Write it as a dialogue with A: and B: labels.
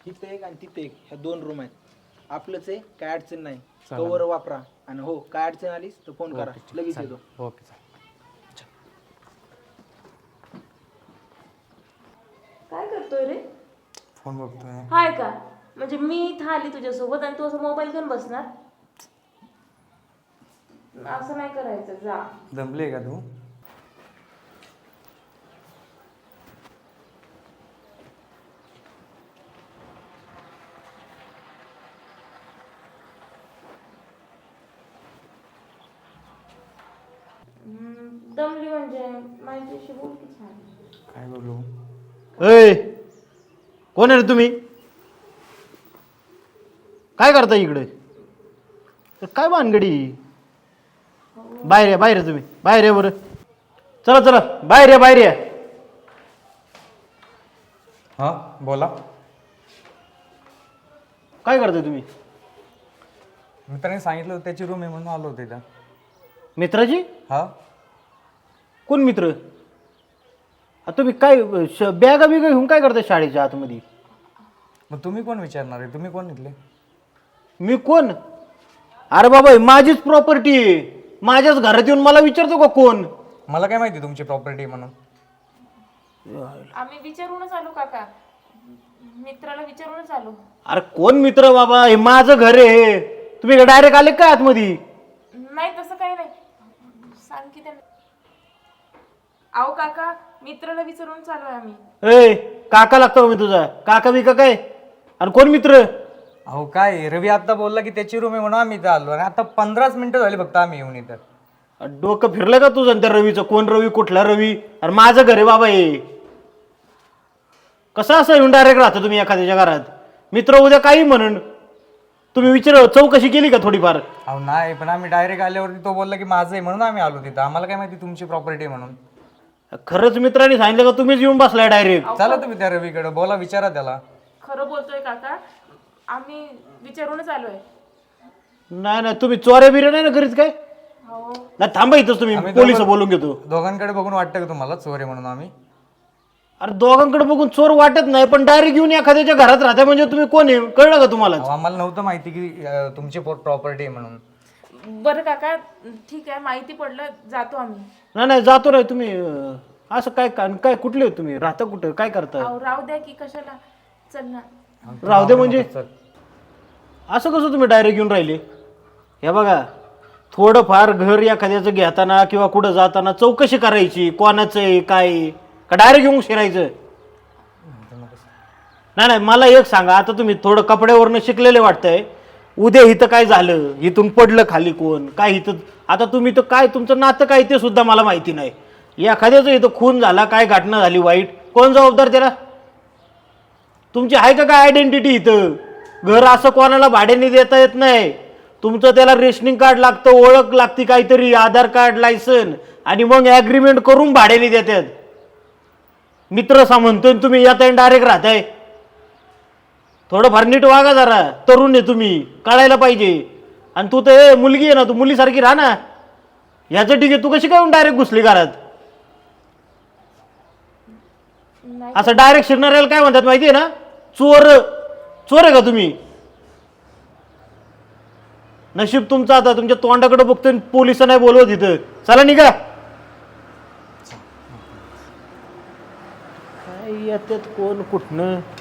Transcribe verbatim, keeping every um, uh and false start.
A: इथे एक आणि तिथे एक, ह्या दोन रूम आहेत. आपलंच आहे, काय अडचण नाही. कवर वापरा आणि हो काय अडचण आलीस तर फोन करा, लगेच येतो.
B: ओके चालेल.
C: काय करतोय रे?
B: फोन बघतोय.
C: हाय का? म्हणजे मी इथं आली तुझ्यासोबत आणि तू असं मोबाईल घेऊन बसणार? असं नाही करायचं, जा.
B: दमले का तू?
C: हम्म, दमली म्हणजे माझ्याशी बोल की छान.
B: काय बोलू?
D: अय कोण आहे रे तुम्ही? काय करता इकडे? तर काय भानगडी? बाहेर या, बाहेर या तुम्ही, बाहेर या बरं. चला चला बाहेर या, बाहेर या.
B: हा बोला.
D: काय करताय तुम्ही?
B: मित्राने सांगितलं होतं त्याची रूम आहे म्हणून आलो होते इथं.
D: मित्राची?
B: हा
D: कोण मित्र? आ, तुम्ही काय बॅगा बिगा घेऊन काय करताय शाळेच्या आतमध्ये?
B: मग तुम्ही कोण विचारणार आहे? तुम्ही कोण इथले?
D: मी कोण? अरे बाबा ही माझीच प्रॉपर्टी आहे. माझ्याच घरात येऊन मला विचारतो का कोण?
B: मला काय माहिती तुमची प्रॉपर्टी म्हणून.
C: आम्ही विचारूनच आलो काका, मित्राला विचारूनच आलो.
D: अरे कोण मित्र बाबा? हे माझं घर आहे. तुम्ही डायरेक्ट आले का आतमध्ये?
C: नाही तसं काही नाही, सांग की त्यांना. अहो काका, मित्राला विचारून चालू आहे आम्ही.
D: ए काका लागतो मी तुझा? काका बिका काय? आणि कोण मित्र?
B: अहो काय, रवी आता बोलला की त्याची रूम आहे म्हणून आम्ही इथं आलो आणि आता पंधराच मिनिटं झाली फक्त आम्ही येऊन इथं.
D: डोकं फिरलं का तुझं त्या रवीचं? कोण रवी, कुठला रवी? अरे माझं घर आहे बाबा हे. कसं असं येऊन डायरेक्ट राहता तुम्ही एखाद्याच्या घरात? मित्र उद्या काही म्हणून. तुम्ही विचार चौकशी केली का थोडीफार?
B: अहो नाही, पण आम्ही डायरेक्ट आल्यावरती तो बोलला की माझं आहे म्हणून आम्ही आलो तिथं. आम्हाला काय माहिती तुमची प्रॉपर्टी म्हणून.
D: खरंच मित्रांनी सांगितलं का तुम्हीच येऊन बसलाय डायरेक्ट?
B: चला तुम्ही त्या रवीकडे बोला, विचारा त्याला.
C: खरं बोलतोय काका, आम्ही विचारूनच आलोय.
D: नाही नाही तुम्ही चोऱ्या बिऱ्या नाही ना करीत काय?
C: हो.
D: नाही थांबा इथंच, तुम्ही
B: आम्ही
D: पोलिस
B: दोघं-
D: बोलून घेतो.
B: दोघांकडे बघून वाटतं का तुम्हाला चोर आहे म्हणून आम्ही?
D: अरे दोघांकडे बघून चोर वाटत नाही, पण डायरेक्ट येऊन एखाद्याच्या घरात राहता म्हणजे तुम्ही कोण आहे कळलं का तुम्हाला?
B: अहो, आम्हाला नव्हतं माहिती की अं, तुमची प्रॉपर्टी आहे म्हणून.
C: बरं काका, ठीक आहे, माहिती पडलं, जातो आम्ही.
D: नाही नाही जातो रे तुम्ही. अं, असं काय काय कुठले हो तुम्ही? राहता कुठं? काय करता?
C: अहो राहू द्या की, कशाला. चल ना.
D: राहू दे म्हणजे
B: चल.
D: असं कसं तुम्ही डायरेक्ट येऊन राहिले? हे बघा, थोडंफार घर एखाद्याचं घेताना किंवा कुठं जाताना चौकशी करायची, कोणाचं आहे काय आहे, का डायरेक्ट येऊन शिरायचं? नाही नाही मला एक सांगा, आता तुम्ही थोडं कपड्यावरनं शिकलेले वाटतंय. उद्या इथं काय झालं, इथून पडलं खाली कोण काय, इथं आता तुम्ही तर काय तुमचं नातं काय ते सुद्धा मला माहिती नाही. एखाद्याचं इथं खून झाला, काय घटना झाली वाईट, कोण जबाबदार त्याला? तुमची आहे का काय आयडेंटिटी इथं? घर असं कोणाला भाड्याने देता येत नाही. तुमचं त्याला रेशनिंग कार्ड लागतं, ओळख लागते काहीतरी, आधार कार्ड, लायसन, आणि मग ॲग्रीमेंट करून भाड्याने देतात. मित्र सा म्हणतोय तुम्ही येताय डायरेक्ट राहताय. थोडंफार नीट वागा जरा, तरुण आहे तुम्ही, कळायला पाहिजे. आणि तू तर मुलगी आहे ना, तू मुलीसारखी राहा ना. ह्याचं ठीक आहे, तू कशी काय डायरेक्ट घुसली घरात?
C: नाही.
D: असं डायरेक्ट शिरणाऱ्याला काय म्हणतात माहिती आहे ना? चोर. चोर आहे का तुम्ही? नशीब तुमचं आता तुमच्या तोंडाकडे बघतोय, पोलिस नाही बोलवत इथं. चला निघा. काय येतात कोण कुठनं?